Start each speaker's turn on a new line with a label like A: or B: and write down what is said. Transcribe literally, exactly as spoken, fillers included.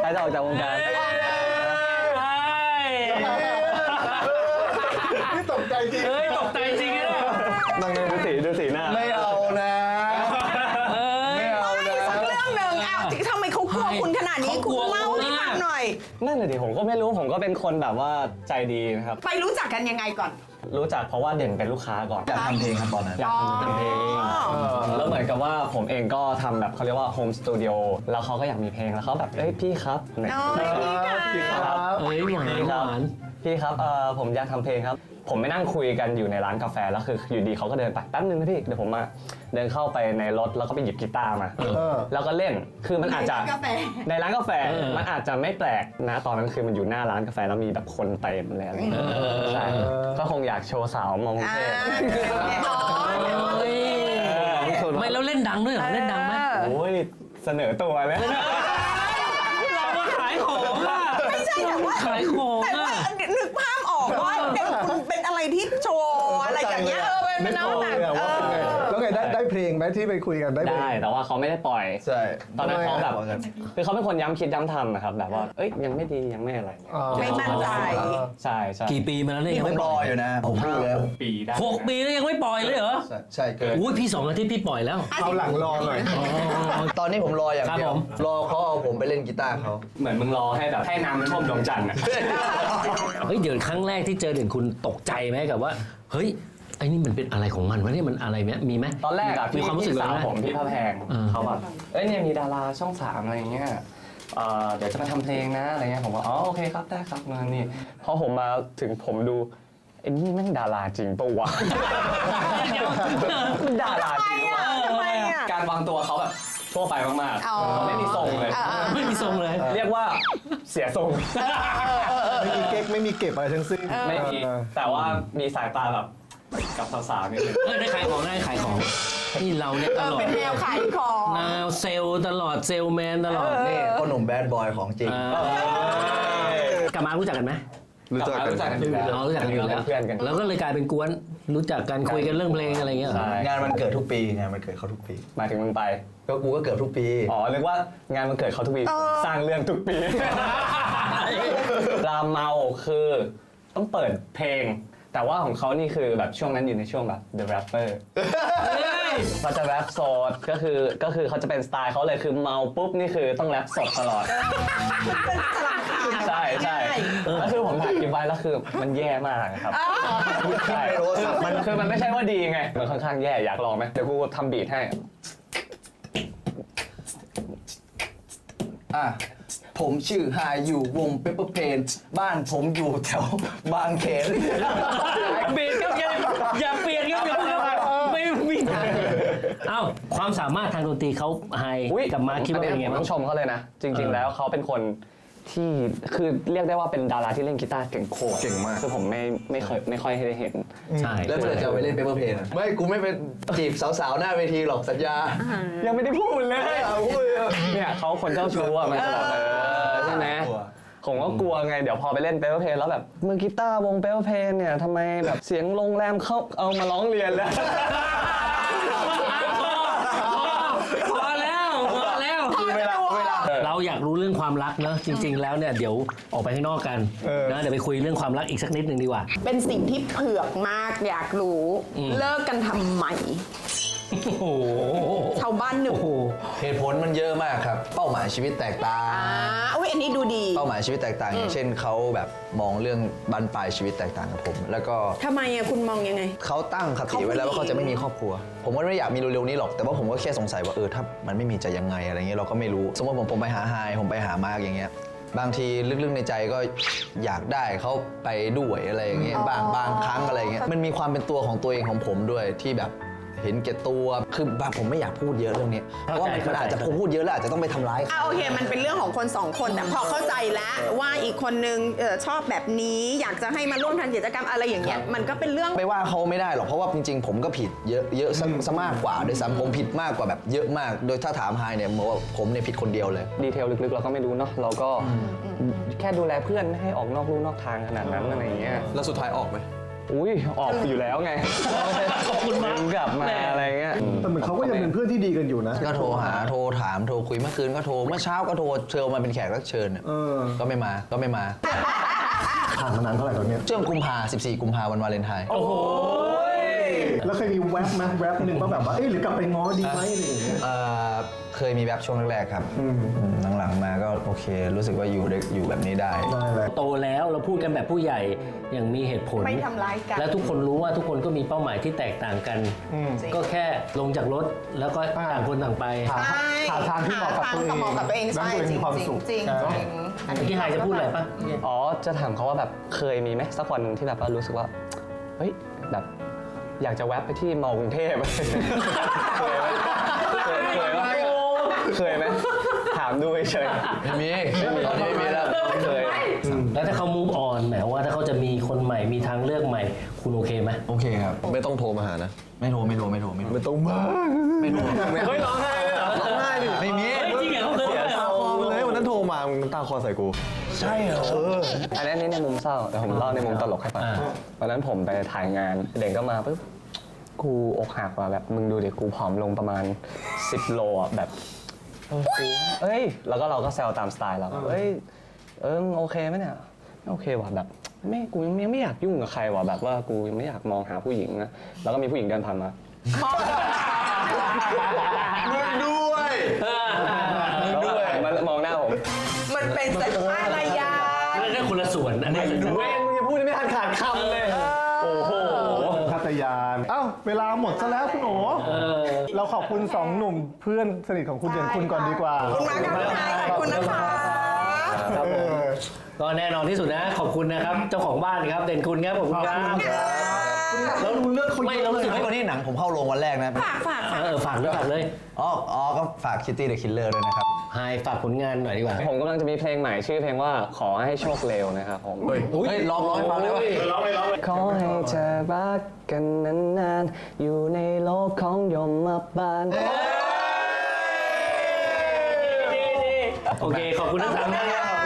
A: ใครจะออกจากวงการ
B: นี่ตกใจจริง
C: เฮ้ยตกใจจริงนะ
A: นั่งดูสีดูสีหน้า
B: ไม่เอานะไม่เอานะ
D: สักเรื่องหนึ่งอ้าวทำไมเขากลัวคุณขนาดนี้คุณเล่าให้ฟังหน่อย
A: นั่นเลยดิผมก็ไม่รู้ผมก็เป็นคนแบบว่าใจดีนะครับ
D: ไปรู้จักกันยังไงก่อน
A: รู้จักเพราะว่าเด่นเป็นลูกค้าก่อน
B: อยากทำเพลงครับตอนนั้น
A: อยากทำเพลงแล้วเหมือนกับว่าผมเองก็ทำแบบเขาเรียกว่าโฮมสตูดิโอแล้วเขาก็อยากมีเพลงแล้วเขาแบบเอ้ยพี่ครับ
D: น้อยพี่ครับ
C: เอ้ยหวานหวาน
A: พี่ครับเออผมอยากทำเพลงครับผมไม่นั่งคุยกันอยู่ในร้านกาแฟแล้วคืออยู่ดีเขาก็เดินไปแป๊บนึงนะพี่เดี๋ยวผมมาเดินเข้าไปในรถแล้วก็ไปหยิบกีตาร์มาแล้วก็เล่นคือมันอาจจะในร้านกาแฟมันอาจจะไม่แปลกนะตอนนั้นคือมันอยู่หน้าร้านกาแฟแล้วมีแบบคนเต็มเลยอะไรอย่างเงี้ยใช่ก็คงอยากโชว์สาวมองเท่
C: ไม่แล้วเล่นดังด้วยเหรอเล่นดังไหม
A: โอ้ยเสนอตัวเลย
C: เรามาขายของอ่ะ
D: ไม่ใช่แต่ว่า
C: ขายของ
D: แต่ว่านึกภาพออกว่าเด็กคุณเป็นอะไรที่โชว์อะไรอย่างเงี้ยเออเป็นน้ำหนัก
B: แล้วไงได้ได้เพลงไหมที่ไปคุยกันได้
A: ได้แต่ว่าเขาไม่ได้ปล่อย
B: ใช่
A: ตอนนั้นเขาแบบคือเขาเป็นคนย้ำคิดย้ำทำนะครับแบบว่าเอ้ยยังไม่ดียังไม่อะไร
D: ไม่มั่นใจ
A: ใช่ใช่
C: กี่ปีมาแล้วเนี่ย
B: ยังไม่ปล่อยอยู่นะผมพูดแล้ว
A: ปีได้
C: หกปีแล้วยังไม่ปล่อยเลยเหรอ
B: ใช่เกิน
C: อุ้ยพี่สองอาทิตย์พี่ปล่อยแล้ว
B: เอาหลังรอหน่อย
E: ตอนนี้ผมรออย่างเดียวรอเขาเอาผมไปเล่นกีตาร์เขา
A: เหมือนมึงรอให้แบบให้น้ำมันท่วมดวงจันทร์อ่ะ
C: เฮ้ยเดี๋ยวครั้งแรกที่เจอเด่นคุณตกใจไหมกับว่าเฮ้ยไอ้นี่มันเป็นอะไรของมันวะเนี่ยมันอะไรไหมมีไหม
A: ตอนแรกอะ
C: มีความรู้สึก
A: สาวผมพี่พระแพงเขาแบบเอ้ยเนี่ยมีดาราช่องสามอะไรเงี้ยเดี๋ยวจะมาทำเพลงนะอะไรเงี้ยผมว่าอ๋อโอเคครับได้ครับมานี่พอผมมาถึงผมดูไอ้นี่แม่งดาราจริงปะวะดาราจริงวะการวางตัวเขาแบบทั่วไปมากๆไม่มีทรงเลย
C: ไม่มีทรงเลย
A: เรียกว่าเสียทรง
B: ไม่มีเก๊กไม่มีเก็บอะไรทั้งสิ้น
A: ไม่มีแต่ว่ามีสายตาแบบกับสาวๆนี่เลย
C: ได้ขายของได้ขายของนี่เราเนี่ยตลอด
D: เป็นแนวขายของ
C: แนวเซลล์ตลอดเซลแมนตลอด
E: นี่พ่อหนุ่มแบดบอยของจริง
C: กับมารู้จักกันไหม
A: รู้จักกันรู้จักกันอยู่แล้ว
C: รู้จักกันอยู่แล้ว
A: เพื่อนกัน
C: แล้วก็เลยกลายเป็นกวนรู้จักกันคุยกันเรื่องเพลงอะไรเงี้ย
E: งานมันเกิดทุกปีงานมันเกิดเขาทุกปี
A: มาถึงมึงไป
E: ก็กูก็เกิดทุกปี
A: อ๋อเรียกว่างานมันเกิดเขาทุกปีสร้างเรื่องทุกปีรามเมาคือต้องเปิดเพลงแต่ว่าของเขานี่คือแบบช่วงนั้นอยู่ในช่วงแบบ The Rapper เขาจะแรปสดก็คือก็คือเขาจะเป็นสไตล์เขาเลยคือเมาปุ๊บนี่คือต้องแรปสดตลอดใช่ใช่แล้วคือผมถ่ายคลิปไว้แล้วคือมันแย่มากครับใช่มันคือมันไม่ใช่ว่าดีไงมันค่อนข้างแย่อยากลองไหมเดี๋ยวกูทำบีทให้
E: อ่ะผมชื่อไฮอยู่วงเปเปอร์เพนบ้านผมอยู่แถวบางเขน
C: เปลี่ยนครับอย่าอย่าเปลี่ยนครับอย่าเพิ่งไม่ไม่เอ้าความสามารถทางดนตรีเขาไฮกับมาคิดว่าเป็นไงบ้าง
A: ต้องชมเขาเลยนะจริงๆแล้วเขาเป็นคนที่คือเรียกได้ว่าเป็นดาราที่เล่นกีตาร์เก่งโคตร
B: เก่งมาก
A: คือผมไม่ไม่เคยไม่ค่อยได้เห็น
C: ใช่
E: แล้วเมื่อไหร่จะไปเล่นเปเปอร์เพนไม่กูไม่เป็นจีบสาวๆหน้าเวทีหรอกสัญญา
A: ยังไม่ได้พูดเลยเนี่ยเขาคนเจ้าชู้อ่ะมันจะแบบเออใช่ไหมผมก็กลัวไงเดี๋ยวพอไปเล่นเปเปอร์เพนแล้วแบบมือกีตาร์วงเปเปอร์เพนเนี่ยทำไมแบบเสียงโรงแรมเขาเอามาร้องเรียนแล้ว
C: พอแล้วพอแล้ว
A: เวลาเวลา
C: เราอยากรู้เรื่องความรักเนอะจริงๆแล้วเนี่ยเดี๋ยวออกไปข้างนอกกันนะเดี๋ยวไปคุยเรื่องความรักอีกสักนิดนึงดีกว่า
D: เป็นสิ่งที่เผือกมากอยากรู้เลิกกันทำไม
C: โอ้โห
D: ชาวบ้านหนึ่ง
E: เหตุผลมันเยอะมากครับเป้าหมายชีวิตแตกต่าง
D: อ่าอุ้ยอันนี้ดูดี
E: เป้าหมายชีวิตแตกต่างอย่างเช่นเขาแบบมองเรื่องบั้นปลายชีวิตแตกต่างกับผมแล้วก็
D: ทำไมอ่ะคุณมองยังไง
E: เขาตั้งคติไว้แล้วว่าเขาจะไม่มีครอบครัวผมก็ไม่อยากมีเร็วๆนี้หรอกแต่ว่าผมก็แค่สงสัยว่าเออถ้ามันไม่มีจะยังไงอะไรเงี้ยเราก็ไม่รู้สมมติผมผมไปหาไฮผมไปหามาร์กอย่างเงี้ยบางทีลึกๆในใจก็อยากได้เขาไปด้วยอะไรอย่างเงี้ยบางบางครั้งอะไรเงี้ยมันมีความเป็นตัวของตัวเองของผมด้วยที่แบบเห็นแก่ตัวคือบางผมไม่อยากพูดเยอะเรื่องนี้เพราะว่ามันอาจจะผมพูดเยอะแล้วอาจจะต้องไปทำร้าย
D: อ่ะโอเคมันเป็นเรื่องของคนสองคนแต่พอเข้าใจแล้วว่าอีกคนนึงชอบแบบนี้อยากจะให้มาร่วมทำกิจกรรมอะไรอย่างเงี้ยมันก็เป็นเรื่อง
E: ไม่ว่าเขาไม่ได้หรอกเพราะว่าจริงๆผมก็ผิดเยอะเยอะซะมากกว่าโดยซ้ำผมผิดมากกว่าแบบเยอะมากโดยถ้าถามไฮเนี่ยผมว่าผมเนี่ยผิดคนเดียวเลย
A: ดีเทลลึกๆเราก็ไม่รู้เนาะเราก็แค่ดูแลเพื่อนให้ออกนอกลู่นอกทางขนาดนั้นอะไรอย่างเงี้ย
B: แล้วสุดท้ายออกไหม
A: โอุ้ยออกอยู่แล้วไง
C: ขอบคุณมาก
A: กลับมาอะไรเงี้ย
B: แต่เหมือนเขาก็ยังเป็นเพื่อนที่ดีกันอยู่นะ
E: ก็โทรหาโทรถามโทรคุยเมื่อคืนก็โทรเมื่อเช้าก็โทรเชิญมาเป็นแขกรับเชิญเนี่ย
B: เออ
E: ก็ไม่มาก็ไม่มา
B: ผ่านมานานเท่าไหร่ตอนเนี้ย
E: ช่วงกุมภาสิบสี่กุมภาวันวาเลนไทน์
C: โอ้โห
B: แล้วเคยมีแวบไหมแวบหนึ่งว่าแบบว่าเอ๊ะหรือกลับไปง้อดีไหมอะไรอย่างเงี้ย
E: เอ่อเคยมีแบบช่วงแรกๆครับ
B: อืม
E: อืมหลังๆมาก็โอเค รู้สึกว่าอยู่ได้อยู่แบบนี้ได้
B: ได้เลย
C: โตแล้วเราพูดกันแบบผู้ใหญ่อย่างมีเหตุผล
D: ไม่ทำร้ายกัน
C: และทุกคนรู้ว่าทุกคนก็มีเป้าหมายที่แตกต่างกัน
B: อืม
C: ก็แค่ลงจากรถแล้วก็
B: อ่า
C: ต่างคนต่างไป
B: หาหาทางที่เหมาะกับตัวเอง
D: หาทางเหมาะกับตัวเอง
B: แล้ว
D: ใช่
B: ตัวเอง
D: จริ
B: มี
D: ง
B: ความ
D: จริง
B: สุข
D: จริง
B: ใช่
D: จริง
C: เมื่อกี้ไฮจะพูดอะไรปะ
A: อ๋อจะถามเขาว่าแบบเคยมีไหมสักวันหนึ่งที่แบบว่ารู้สึกว่าเฮ้ยแบบอยากจะแวะไปที่มอกรุงเทพ เคยไหมเคยเคยไหมเคยไหมถามดูเฉย
E: ไม่มีตอนนี้ไม่มีแล้ว
A: ๆเคย
C: แล้วถ้าเขา move on หมายว่าถ้าเขาจะมีคนใหม่มีทางเลือกใหม่ คุณโอเคไหม
E: โอเคครับ
F: ไม่ต้องโทรมาหานะ
E: ไม่โทรไม่โทรไม่โทรไม่โทร
F: ไม่ต้องมา
E: ไม่โทร
A: เฮ้ยร้องไห้เลยเหรอ
F: ร้องไห้ดิ
E: ไม่มี
C: เฮ้ยจริงเหรอเขาเคย
F: เสีย
C: เหร
F: ตา
C: อ
F: คอมาเลยวันนั้นโทรมามึงน้ำตาคอใส่กู
E: ใช่เหรอ
A: อันนี้นี่ในมุมเศร้าแต่ผมเล่าในมุมตลกให้ฟัง
C: อ่า
A: วันนั้นผมไปถ่ายงานเด่นก็มาปุ๊บกูอกหักว่ะแบบมึงดูดิกูผอมลงประมาณสิบโลอ่ะแบบเออกูเอ้ยแล้วก็เราก็แซวตามสไตล์เราเอ้ยเออมึงโอเคไหมเนี่ยไม่โอเคว่ะแบบไม่กูยังไม่อยากยุ่งกับใครว่ะแบบว่ากูยังไม่อยากมองหาผู้หญิงนะแล้วก็มีผู้หญิงเดินผ่านมา
F: มึงด้วย
A: แล้วก็หันมามองหน้าผม
D: มันเป็นสัญชาตญาณ
C: นั่นคนละส่วนอันนี้สัญชาต
A: เว้ยมึงจะพูดไม่ทันขาดคำเลยโอ้โห
B: พัทยาน เอ้า เวลาหมดซะแล้วคุณโอ
C: เออ
B: เราขอบคุณสองหนุ่มเพื่อนสนิทของคุณเด่นคุณก่อนดีกว่า
D: ขอบคุณมากครับพี่ไทยขอบคุณนะคะ
B: เออ
C: ก็แน่นอนที่สุดนะ ขอบคุณนะครับ เจ้าของบ้านครับ เด่นคุณครับผมครับ
B: แล้วรู้เรื่องเขา
C: ไม่
B: เยอะ
C: เรารู้สึก
E: เฮ้ยวันนี้หนังผมเข้าโรงวันแรกนะ
D: ฝากฝากฝาก
C: เออฝากด้วยฝากเลย
E: อ๋ออ๋อก็ฝากคิตตี้เดอะคิลเลอร์ด้วยนะครับ
C: ไฮฝากผลงานหน่อยดีกว่า
A: ผมกำลังจะมีเพลงใหม่ชื่อเพลงว่าขอให้โชคเร็วนะครับผม
E: เฮ้ยลองร้องให้ฟังได้ไหม
A: ขอให้เธอรักกันนานๆอยู่ในโลกของยมบาล
C: โอเค ขอบคุณทั้งสามท่านครับ